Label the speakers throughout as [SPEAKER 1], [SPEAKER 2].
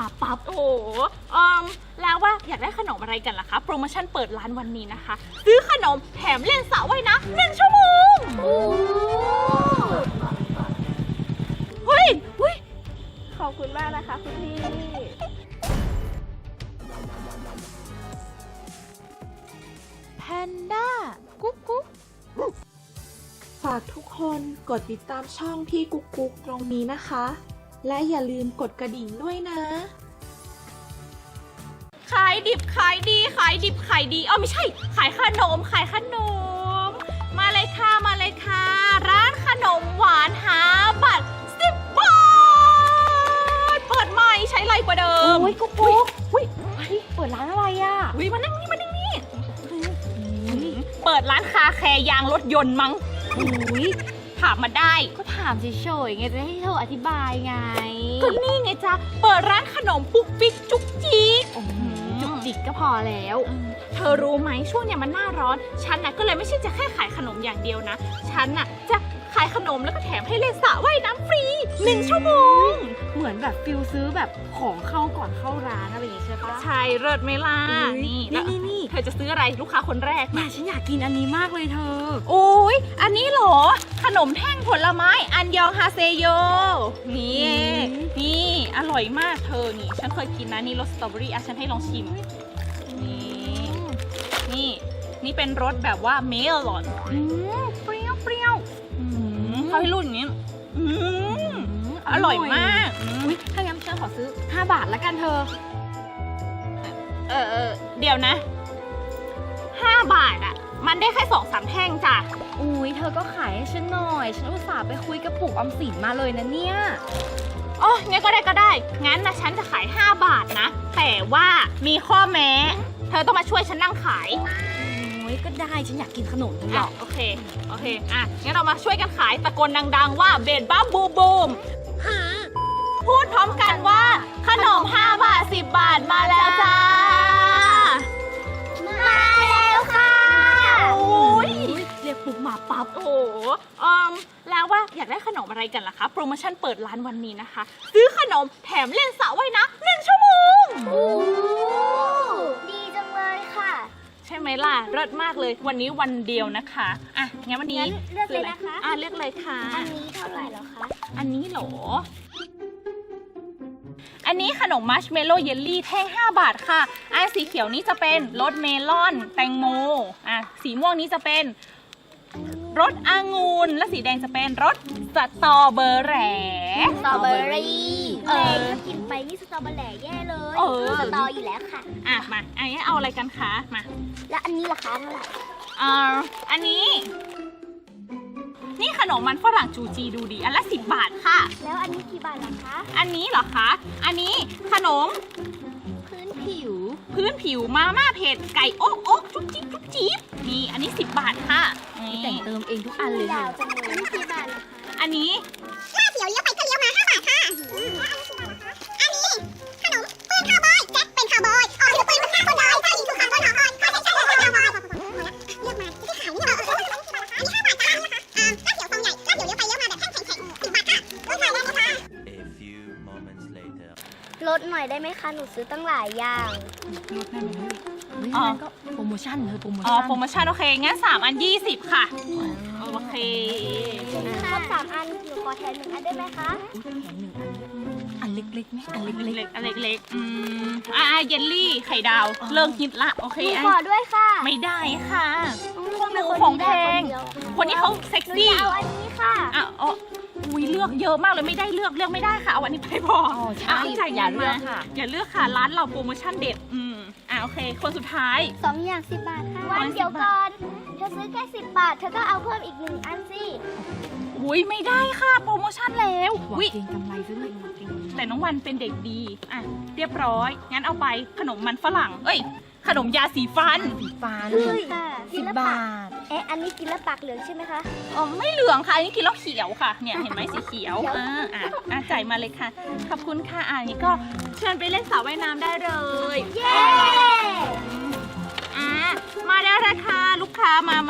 [SPEAKER 1] มาปั๊บโอ้โหแล้วว่าอยากได้ขนมอะไรกันล่ะคะโปรโมชั่นเปิดร้านวันนี้นะคะซื้อขนมแถมเล่นสระว่ายน้ำ1 ชั่วโมงเฮ้ย
[SPEAKER 2] ขอบคุณมากนะคะคุณพี่
[SPEAKER 1] แพนด้ากุ๊กกุ๊ก
[SPEAKER 3] ฝากทุกคนกดติดตามช่องพี่กุ๊กกุ๊กตรงนี้นะคะและอย่าลืมกดกระดิ่งด้วยนะ
[SPEAKER 1] ขายดิบขายดีขายดิบขายดีไม่ใช่ขายขนมมาเลยค่ะร้านขนมหวานหาบัตร10 บาทเปิดใหม่ใช้ไรกว่าเดิม
[SPEAKER 2] กุ๊กกุ๊กเปิดร้านอะไรอ่ะ
[SPEAKER 1] มานั่งนี่เปิดร้านคาแคร์ยางรถยนต์มั้งถามมาได้
[SPEAKER 2] ก็ถามเฉยๆไงจะให้เธออธิบายไง
[SPEAKER 1] ก็นี่ไงจ๊ะเปิดร้านขนมปุ๊กปิ๊กจุกจิก
[SPEAKER 2] จุกจิกก็พอแล้ว
[SPEAKER 1] เธอรู้ไหมช่วงเนี้ยมันหน้าร้อนฉันน่ะก็เลยไม่ใช่จะแค่ขายขนมอย่างเดียวนะฉันน่ะจะขายขนมแล้วก็แถมให้เล่นสระว่ายน้ำฟรี1 ชั่วโมง
[SPEAKER 2] เหมือนแบบฟิลซื้อแบบของเข้าก่อนเข้าร้านอะไรอย่างงี้ใช่ปะ
[SPEAKER 1] ใช่เลิศไหมล่ะนี่เธอจะซื้ออะไรลูกค้าคนแรก
[SPEAKER 2] ฉันอยากกินอันนี้มากเลยเธอ
[SPEAKER 1] โอ้ยอันนี้เหรอขนมแท่งผลไม้อันยองฮาเซโยนี่อร่อยมากเธอนี่ฉันเคยกินนะนี่รสสตรอเบอรี่ฉันให้ลองชิมนี่เป็นรสแบบว่าเมลอนเปรี้ยวเขาให้รุ่นอย่างนี้อร่อยมาก
[SPEAKER 2] ถ้างั้นฉันขอซื้อ5 บาทแล้วกันเธอ
[SPEAKER 1] เดี๋ยวนะ5 บาทอ่ะมันได้แค่2-3 แท่งจ้ะ
[SPEAKER 2] เธอก็ขายให้ฉันหน่อยฉันอุตส่าห์ไปคุยกับปู่ออมสินมาเลยนะเนี่ย
[SPEAKER 1] งั้นก็ได้งั้นนะฉันจะขาย5 บาทนะแต่ว่ามีข้อแม้เธอต้องมาช่วยฉันนั่งขาย
[SPEAKER 2] ก็ได้ฉันอยากกินขนมนี่หรอก
[SPEAKER 1] โอเคงั้นเรามาช่วยกันขายตะโกนดังๆว่าเบดบัมบูมพูดพร้อมกันว่าขนม5 บาท10 บาทมาแล้วจ้า
[SPEAKER 2] มาแล้วค่ะ
[SPEAKER 1] เรียกปุ๊บมาปั๊บแล้วว่าอยากได้ขนมอะไรกันล่ะคะโปรโมชั่นเปิดร้านวันนี้นะคะซื้อขนมแถมเล่นสระว่ายน้ำ1 ชั่วโมง
[SPEAKER 2] ดีจังเลยค่ะ
[SPEAKER 1] ใช่ไหมล่ะเลิศมากเลยวันนี้วันเดียวนะคะงั้นวันนี้
[SPEAKER 2] เลือกเลยนะคะ
[SPEAKER 1] เลือกเลยค่ะ
[SPEAKER 2] อันนี้เท่าไหร่แล้วคะ
[SPEAKER 1] อันนี้เหรออันนี้ขนมมัชเมลโล่เยลลี่แท่ง5 บาทค่ะสีเขียวนี้จะเป็นรสเมลอนแตงโมสีม่วงนี้จะเป็นรสองุ่นและสีแดงจะเป็นรสสตรอเบอร์
[SPEAKER 2] รี่กินไปนี่สตรอเบอร์รี่แย่เลยสตรออยู่แล้วค่ะ
[SPEAKER 1] มาอันนี้เอาอะไรกันคะมา
[SPEAKER 2] แล้วอันนี้ราคาเท่าไหร่
[SPEAKER 1] อันนี้นี่ขนมมันฝรั่งจูจีดูดีอันละ10 บาทค่ะ
[SPEAKER 2] แล้วอันนี้กี่บาทล่ะคะ
[SPEAKER 1] อันนี้เหรอคะอันนี้ขนม
[SPEAKER 2] พื้นผิว
[SPEAKER 1] มาม่าเผ็ดไก่โอ๊กจุ๊บจิ๊บนี่อันนี้10 บาทค่ะ
[SPEAKER 2] แต่งเติมเองทุกอันเลยค่ะอันนี้กี่บาทล่ะคะ
[SPEAKER 1] อันนี้
[SPEAKER 4] หน้าเขียวเลี้ยวไปก็เลี้ยวมา5 บาทค่ะอันนี้ขนมปืนคาวบอยแจ็คเป็นคาวบอยถือปืนมันฆ่าคนร้ายถ้ายิงถูกคาวบอยเขาใช้คาวบอยเลือกมาที่ขายนี่เหรออันนี้5 บาทจ้าหน้าเขียวฟองใหญ่หน้าเขียวเลี้ยวไปเลี้ยวมาแบบแท่งแข็ง10 บาทค่ะรถไฟได้ไหมคะ
[SPEAKER 2] ลดหน่อยได้ไหมคะหนูซื้อตั้งหลายอย่าง
[SPEAKER 1] ลดได้ไหม
[SPEAKER 2] ก็โปรโมชั่น
[SPEAKER 1] โปรโมชั่นโอเคงั้น3 อัน20ค่ะโอเค
[SPEAKER 2] ครบ3 อันหนูขอแถม1 อันได้ไหมคะ
[SPEAKER 1] แถม1 อันเล็กๆไหมอันเล็กเยลลี่ไข่ดาวเลิกฮิตละโอเค
[SPEAKER 2] ขอด้วยค่ะ
[SPEAKER 1] ไม่ได้ค่ะของแพงคนนี้เขาเซ็กซี่
[SPEAKER 2] เอาอันนี้ค่ะ
[SPEAKER 1] เลือกเยอะมากเลยไม่ได้เลือกไม่ได้ค่ะเอาอันนี้ไปพอ
[SPEAKER 2] ใช่อย่าเลือก
[SPEAKER 1] ค่ะร้านเราโปรโมชั่นเด็ดโอเคคนสุดท้าย
[SPEAKER 2] 2 อย่าง10 บาทค่ะวันเดี๋ยวก่อนเธอซื้อแค่10 บาทเธอก็เอาเพิ่มอีก1 อันสิ
[SPEAKER 1] ไม่ได้ค่ะโปรโมชั่นแล้ว
[SPEAKER 2] เก่งกำไรซื้อเลย
[SPEAKER 1] แต่น้องวันเป็นเด็กดีเรียบร้อยงั้นเอาไปขนมมันฝรั่งขนมยาสีฟัน
[SPEAKER 2] 10 บาทอันนี้กินแล้วปากเหลืองใช่ไหมคะ
[SPEAKER 1] ไม่เหลืองค่ะอันนี้กินแล้วเขียวค่ะเนี่ยเห็นไหมสีเขียวจ่ายมาเลยค่ะขอบคุณค่ะนี่ก็เชิญไปเล่นสระว่ายน้ำได้เลย
[SPEAKER 2] เย้
[SPEAKER 1] มาได้เลยค่ะลูกค้ามา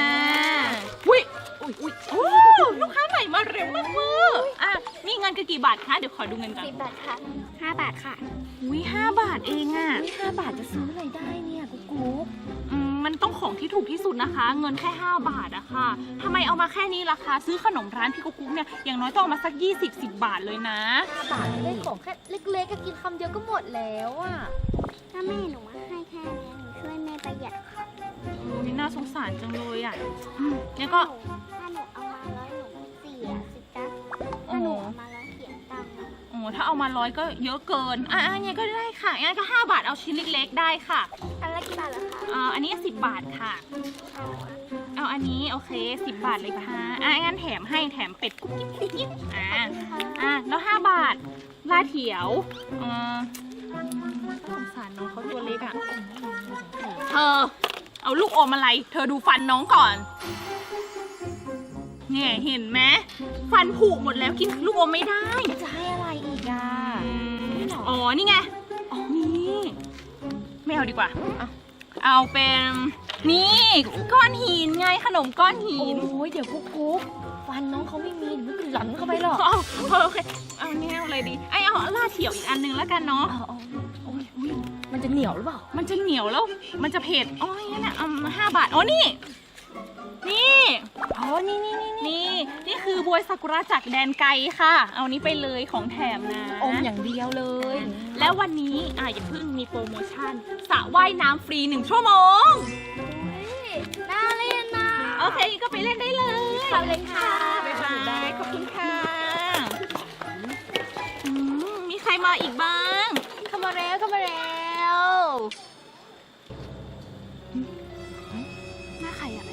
[SPEAKER 1] อุ้ยลูกค้าใหม่มาเร็วมากนี่เงินกันกี่บาททคะเดี๋ยวขอดูเงินก่อน
[SPEAKER 2] 10 บาทค่ะ5 บาทค่ะ
[SPEAKER 1] อุ้ย5 บาทเองอ่ะ
[SPEAKER 2] 5 บาทจะซื้ออะไรได้เนี่ยกุ๊กกุ๊ก
[SPEAKER 1] มันต้องของที่ถูกที่สุดนะคะ เงินแค่5 บาทอะค่ะทำไมเอามาแค่นี้ล่ะคะซื้อขนมร้านพี่กุ๊กเนี่ยอย่างน้อยต้องเอามาสัก20-10 บาทเลยนะ
[SPEAKER 2] 5 บาทได้ของแค่เล็กๆก็กินคำเดียวก็หมดแล้วอ่ะ
[SPEAKER 4] ถ้าแม่หนูให้แค่นี้หนูช่วยแม่ประหยัดค่ะ
[SPEAKER 1] นี่น่าสงสารจังเลยอ่ะงั้นก็
[SPEAKER 4] ถ้าหนูเอามา100หนูเสียสิจ๊ะ
[SPEAKER 1] โอ้
[SPEAKER 4] ถ้าหนูเอามา100เสียตังค์นะ
[SPEAKER 1] โอ้ถ้าเอามา100ก็เยอะเกินงั้นก็ได้ค่ะงั้นก็5 บาทเอาชิ้นเล็กๆได้ค่ะ
[SPEAKER 4] อันละกี่บาทเหรอคะ
[SPEAKER 1] อันนี้10 บาทค่ะ เอาอันนี้โอเค10 บาทเลยค่ะงั้นแถมให้แถมเป็ดกุ๊กกิ๊บกุ๊กกิ๊บแล้ว5 บาทลาเถียวสงสารน้องเขาตัวเล็กอ่ะเธอเอาลูกอมอะไรเธอดูฟันน้องก่อนเนี่ยเห็นไหมฟันผุหมดแล้วกินลูกอมไม่ได้
[SPEAKER 2] จะให้อะไรอีกอ่ะ
[SPEAKER 1] อ๋อนี่ไงนี่ไม่เอาดีกว่าเอาเป็นนี่ก้อนหินไงขนมก้อนหิน
[SPEAKER 2] โอ้ยเดี๋ยวกุ๊กกุ๊กฟันน้องเขาไม่มีเดี๋ยวมันก็หลันเข้าไปหรอก
[SPEAKER 1] โอเคเอาเนี่ยเอาอะไรดีเอาลาดเถียวอีกอันนึงแล้วกันเนาะ
[SPEAKER 2] โอ้ยมันจะเหนียวหรือเปล่า
[SPEAKER 1] มันจะเหนียวแล้วมันจะเผ็ดงั้น5 บาทนี่นี่
[SPEAKER 2] อ๋อนี่
[SPEAKER 1] นี่คือบวยซากุระจากแดนไกลค่ะ เอานี้ไปเลยของแถมนะ
[SPEAKER 2] อมอย่างเดียวเลย
[SPEAKER 1] แล้ววันนี้อย่าเพิ่งมีโปรโมชั่นสระว่ายน้ำฟรี1 ชั่วโมง
[SPEAKER 2] น่าเล่นนะ
[SPEAKER 1] โอเคก็ไปเล่นได้เลย
[SPEAKER 2] ขอบคุณค่ะ
[SPEAKER 1] บ๊ายบายขอบคุณค่ะมีใครมาอีกบ้าง
[SPEAKER 2] เข้ามาแล้ว
[SPEAKER 1] หน้าใครอะ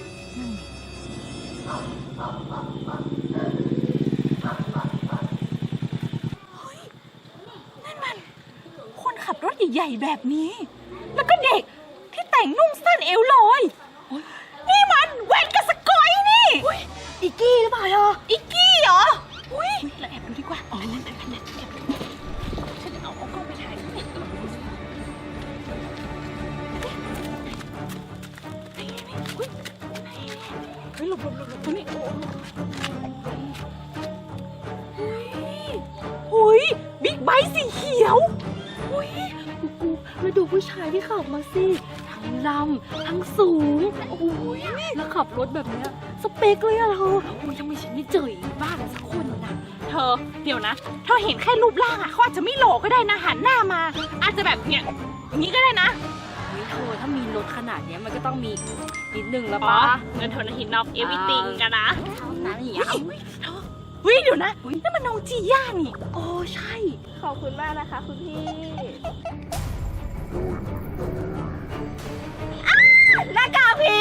[SPEAKER 1] นั่นมันคนขับรถใหญ่ๆแบบนี้ แล้วก็เด็กที่แต่งนุ่งสั้นเอวลอยนี่มันแวนกับสกอยนี่
[SPEAKER 2] อีกกี้หรือเปล่าเธอ
[SPEAKER 1] อิกกี้เหรออุ้ยเราแอบดูดีกว่าแอบดูฉันจะเอากล้องไปถ่ายเฮ้ยหลบตรงนี้อุ้ยบิ๊กไบค์สีเขียวอุ้ย
[SPEAKER 2] แล้วดูผู้ชายที่ขับมาสิทั้งลำทั้งสูงโอ้ยแล้วขับรถแบบเนี้ยสเปคเลยอะเธอโอ้ยทำไมฉันไม่เจออีกบ้างสักคนนะ
[SPEAKER 1] เธอเดี๋ยวนะเธอเห็นแค่รูปร่างเขาอาจจะไม่หล่อก็ได้นะหันหน้ามา อาจจะแบบเนี่ยอย่างนี้ก็ได้นะ
[SPEAKER 2] เฮ้ยเธอถ้ามีรถขนาดเนี้ยมันก็ต้องมีนิดนึงแล้ว
[SPEAKER 1] อ๋อ
[SPEAKER 2] ปะ
[SPEAKER 1] เงินเท่านั้นหินนอกเอวิติงกันนะ
[SPEAKER 2] เท่านั้นอย่างเงี้ย
[SPEAKER 1] เฮ้ยเดี๋ยวนะนั่นมันน้องจีย่านี่
[SPEAKER 2] โอ้ใช่
[SPEAKER 3] ขอบคุณมากนะคะคุณพี่
[SPEAKER 1] หน้ากากผี